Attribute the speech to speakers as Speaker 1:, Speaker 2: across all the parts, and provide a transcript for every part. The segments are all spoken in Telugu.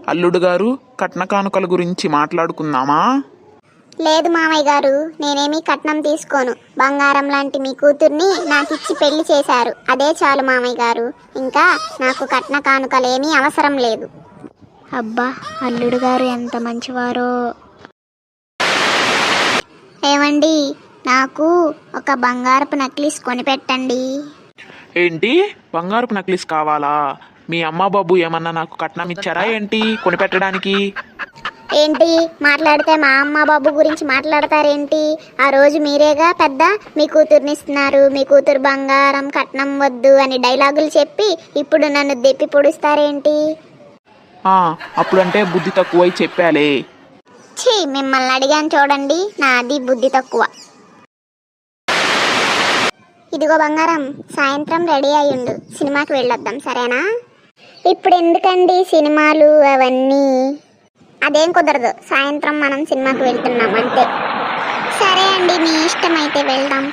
Speaker 1: అల్లుడు గారు, కట్న కానుకల గురించి మాట్లాడుకుందామా?
Speaker 2: లేదు మామయ్య గారు, నేనేమీ కట్నం తీసుకోను. బంగారం లాంటి మీ కూతుర్ని నాకిచ్చి పెళ్లి చేశారు, అదే చాలు మామయ్య గారు. ఇంకా నాకు కట్న కానుకలేమీ అవసరం లేదు. అబ్బా, అల్లుడు గారు ఎంత మంచివారో. ఏమండి, నాకు ఒక బంగారపు నెక్లెస్ కొనిపెట్టండి.
Speaker 1: ఏంటి, బంగారపు నెక్లెస్ కావాలా? మీ అమ్మ బాబు ఏమన్నా నాకు కట్నం ఇచ్చారా ఏంటి కొనిపెట్టడానికి?
Speaker 2: ఏంటి మాట్లాడితే మా అమ్మ బాబు గురించి మాట్లాడతారేంటి? ఆ రోజు మీరేగా పెద్ద మీ కూతుర్ని ఇస్తున్నారు, మీ కూతురు బంగారం కట్నం వద్దు అని డైలాగులు చెప్పి ఇప్పుడు నన్ను దెప్పి పొడుస్తారేంటి?
Speaker 1: అప్పుడంటే బుద్ధి తక్కువై చెప్పాలే.
Speaker 2: ఛీ, మిమ్మల్ని అడిగాను చూడండి, నాది బుద్ధి తక్కువ. ఇదిగో బంగారం, సాయంత్రం రెడీ అయ్యుండు, సినిమాకి వెళ్ళొద్దాం, సరేనా? ఇప్పుడు ఎందుకండి సినిమాలు అవన్నీ? అదేం కుదరదు, సాయంత్రం మనం సినిమాకి వెళ్తున్నాం అంతే. సరే అండి, మీ ఇష్టం, అయితే వెళ్దాం.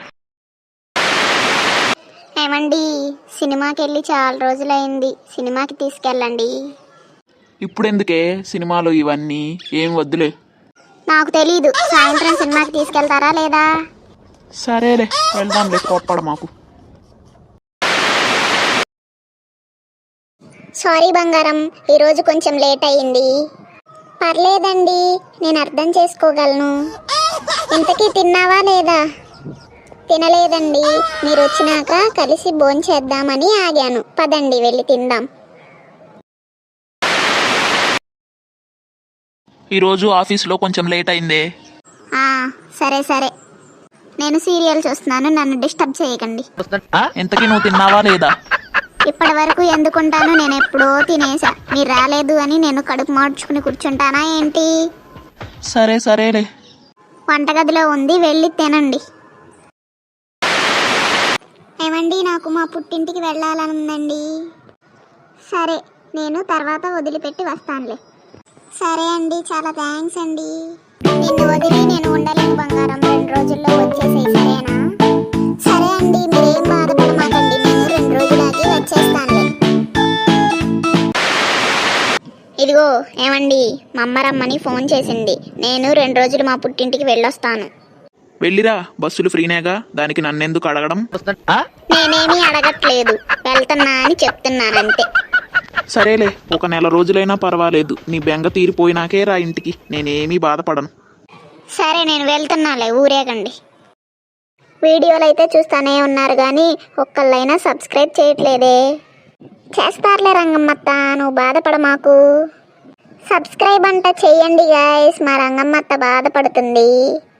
Speaker 2: ఏమండి, సినిమాకి వెళ్ళి చాలా రోజులైంది, సినిమాకి తీసుకెళ్ళండి.
Speaker 1: ఇప్పుడెందుకే సినిమాలు ఇవన్నీ, ఏం వద్దులే.
Speaker 2: నాకు తెలీదు, సాయంత్రం సినిమాకి తీసుకెళ్తారా లేదా?
Speaker 1: సరేలే, వెళ్దాంలే, కోప్పడ మాకు.
Speaker 2: సారీ బంగారం, ఈరోజు కొంచెం లేట్ అయ్యింది. పర్లేదండి, నేను అర్థం చేసుకోగలను. ఇంతకీ తిన్నావా లేదా? తినలేదండి, మీరు వచ్చినాక కలిసి భోంచేద్దామని ఆగాను. పదండి వెళ్ళి తిందాం.
Speaker 1: ఈరోజు ఆఫీస్లో కొంచెం లేట్ అయిందే.
Speaker 2: సరే సరే, నేను సీరియల్ చూస్తున్నాను, నన్ను డిస్టర్బ్ చేయకండి.
Speaker 1: ఇంతకీ నువ్వు తిన్నావా లేదా?
Speaker 2: ఇప్పటి వరకు ఎందుకుంటాను, నేను ఎప్పుడో తినేసా. మీరు రాలేదు అని నేను కడుపు మార్చుకుని కూర్చుంటానా ఏంటి?
Speaker 1: సరే సరేలే.
Speaker 2: వంటగదిలో ఉంది, వెళ్ళి తినండి. ఏమండి, నాకు మా పుట్టింటికి వెళ్ళాలనుందండి. సరే, నేను తర్వాత వదిలిపెట్టి వస్తానులే. సరే అండి, చాలా థ్యాంక్స్ అండి. నిన్ను వదిలి నేను ఉండలేను బంగారం, 2 రోజుల్లో వచ్చేసేయి, సరేనా? సరే అండి, మీరేం బాధపడమాకండి, నేను 2 రోజులకి వచ్చేస్తానులే. ఇదిగో ఏమండి, మా అమ్మ రమ్మని ఫోన్ చేసింది, నేను 2 రోజులు మా పుట్టింటికి వెళ్ళొస్తాను.
Speaker 1: వెళ్ళిరా, బస్సులు ఫ్రీనేగా, దానికి నన్నెందుకు అడగడం?
Speaker 2: నేనేమీ అడగట్లేదు, వెళ్తున్నా అని చెప్తున్నానంతే.
Speaker 1: సరేలే, ఒక నెల రోజులైనా పర్వాలేదు, నీ బెంగ తీరిపోయినాకే రా ఇంటికి, నేనేమీ బాధపడను.
Speaker 2: సరే, నేను వెళ్తున్నాలే, ఊరేగండి. వీడియోలు అయితే చూస్తానే ఉన్నారు కానీ ఒక్కళ్ళైనా సబ్స్క్రైబ్ చేయట్లేదే. చేస్తారులే రంగమ్మత్త, నువ్వు బాధపడ మాకు. సబ్స్క్రైబ్ అంట చెయ్యండి గాయస్, మా రంగమ్మత్త బాధపడుతుంది.